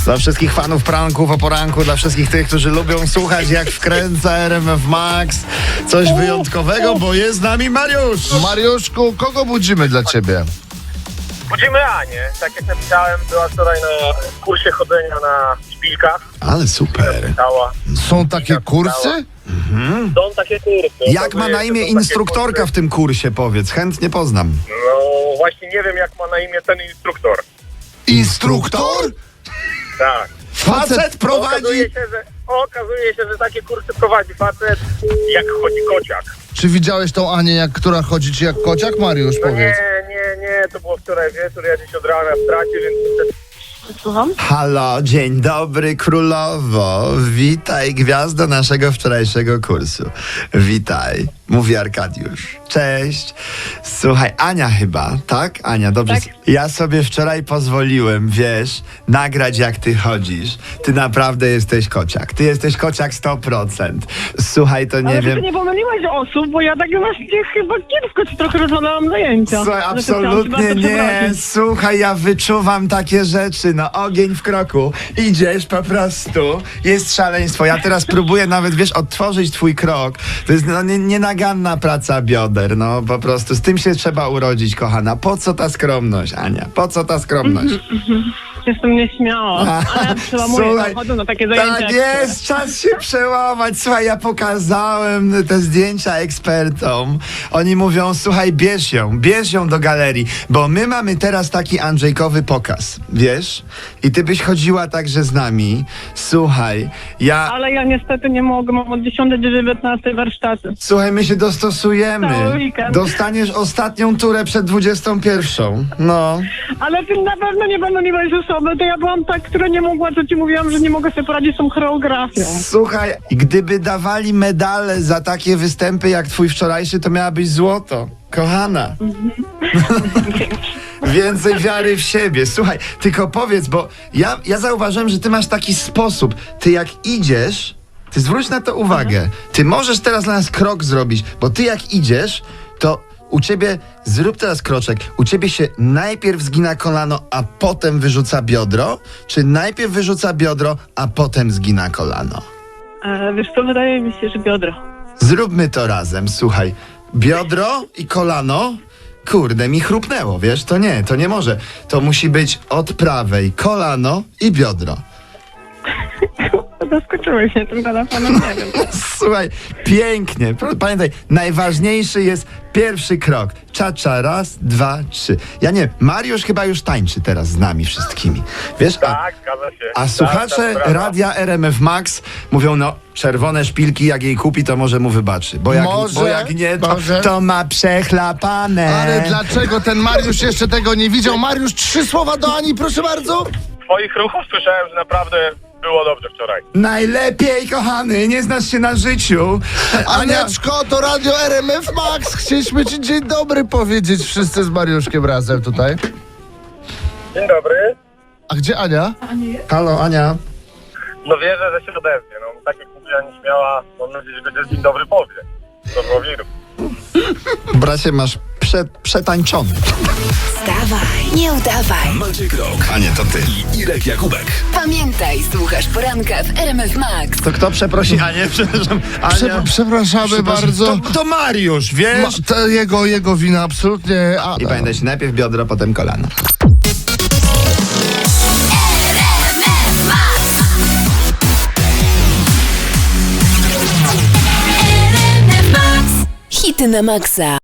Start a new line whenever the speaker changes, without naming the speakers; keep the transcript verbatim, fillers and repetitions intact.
Dla wszystkich fanów pranków o poranku, dla wszystkich tych, którzy lubią słuchać, jak wkręca R M F Max. Coś wyjątkowego, bo jest z nami Mariusz.
Mariuszku, kogo budzimy dla ciebie?
Budzimy Anię, tak jak napisałem, była wczoraj na kursie chodzenia na szpilkach.
Ale super.
Stała.
Są takie kursy?
Są takie kursy.
Jak ma
Okazuje
na
się,
imię
są takie
instruktorka
kursy.
w tym kursie, powiedz? Chętnie poznam.
No właśnie nie wiem, jak ma na imię ten instruktor.
Instruktor?
Tak.
Facet prowadzi...
Okazuje się, że, okazuje się, że takie kursy prowadzi facet, jak chodzi kociak.
Czy widziałeś tą Anię, jak, która chodzi ci jak kociak, Mariusz,
No
powiedz?
nie, nie, nie, to było wczoraj wieczór, ja dziś od rana w tracie, więc niestety...
Słucham?
Halo, dzień dobry królowo. Witaj, gwiazdo naszego wczorajszego kursu. Witaj, mówi Arkadiusz. Cześć. Słuchaj, Ania chyba, tak? Ania, dobrze.
Tak.
Ja sobie wczoraj pozwoliłem, wiesz, nagrać jak ty chodzisz. Ty naprawdę jesteś kociak. Ty jesteś kociak sto procent. Słuchaj, to nie
Ale
wiem...
ty nie pomyliłeś osób, bo ja tak właśnie chyba kiepsko ci trochę rozwalałam zajęcia.
Słuchaj,
Że to chciałam cię
absolutnie
bardzo
nie.
przeprosić.
Słuchaj, ja wyczuwam takie rzeczy. No, ogień w kroku. Idziesz po prostu. Jest szaleństwo. Ja teraz próbuję nawet, wiesz, odtworzyć twój krok. To jest no, nie, nienaganna praca bioder. No, po prostu. Z tym się trzeba urodzić, kochana. Po co ta skromność, Ania? Po co ta skromność?
Jestem nieśmiała, ale ja przełamuję,
Słuchaj,
chodzę na takie zajęcia.
tak
jak
jest, czas się przełamać. Słuchaj, ja pokazałem te zdjęcia ekspertom. Oni mówią, słuchaj, bierz ją, bierz ją do galerii, bo my mamy teraz taki Andrzejkowy pokaz, wiesz? I ty byś chodziła także z nami. Słuchaj, ja...
Ale ja niestety nie mogę, mam od dziesiątej do dziewiętnastej warsztaty.
Słuchaj, my się dostosujemy.
Cały weekend.
Dostaniesz ostatnią turę przed dwudziestą pierwszą. No.
Ale ty na pewno nie będą mieć osoby, to ja byłam ta, która nie mogła, co ci mówiłam, że nie mogę sobie poradzić z tą choreografią.
Słuchaj, gdyby dawali medale za takie występy jak twój wczorajszy, to miałabyś złoto. Kochana. Więcej wiary w siebie. Słuchaj, tylko powiedz, bo ja, ja zauważyłem, że ty masz taki sposób. Ty jak idziesz, ty zwróć na to uwagę. Ty możesz teraz dla nas krok zrobić, bo ty jak idziesz, to u ciebie, zrób teraz kroczek, u ciebie się najpierw zgina kolano, a potem wyrzuca biodro? Czy najpierw wyrzuca biodro, a potem zgina kolano?
E, wiesz co, wydaje mi się, że biodro.
Zróbmy to razem, słuchaj. Biodro i kolano, kurde, mi chrupnęło, wiesz? To nie, to nie może. To musi być od prawej kolano i biodro.
Zaskoczyłeś mnie tym telefonem, nie wiem.
Słuchaj, pięknie. Pro- Pamiętaj, najważniejszy jest pierwszy krok. Cza-cza, raz, dwa, trzy. Ja nie, Mariusz chyba już tańczy teraz z nami wszystkimi. Wiesz, a,
Tak, zgadza się.
a
Tak,
słuchacze
tak, brawa.
radia R M F Max mówią, no, czerwone szpilki, jak jej kupi, to może mu wybaczy. Bo jak,
Może,
bo jak nie, to,
może.
to ma przechlapane.
Ale dlaczego ten Mariusz jeszcze tego nie widział? Mariusz, trzy słowa do Ani, proszę bardzo.
Twoich ruchów słyszałem, że naprawdę było dobrze wczoraj.
Najlepiej, kochany, nie znasz się na życiu. Ania,
Anieczko, to radio R M F Max. Chcieliśmy ci dzień dobry powiedzieć wszyscy z Mariuszkiem razem tutaj.
Dzień dobry.
A gdzie Ania?
halo, Ania.
No wierzę, że się odezwie. No, tak jak mówiła nieśmiała, mam nadzieję, że będzie dzień dobry powie. To było wiru.
Bracie, masz prze, przetańczony.
Wstawaj, nie udawaj.
Maciek Rok, Ania to ty i Irek Jakubek.
Pamiętaj, słuchasz poranka w R M F Max.
To kto przeprosi Anię? Przepraszam, Ania.
Prze- przepraszamy
Przepraszam.
bardzo.
To, to Mariusz, wiesz?
Ma, to jego, jego wina, absolutnie. A,
I pamiętajcie, najpierw biodro, potem kolano.
Hity na maksa.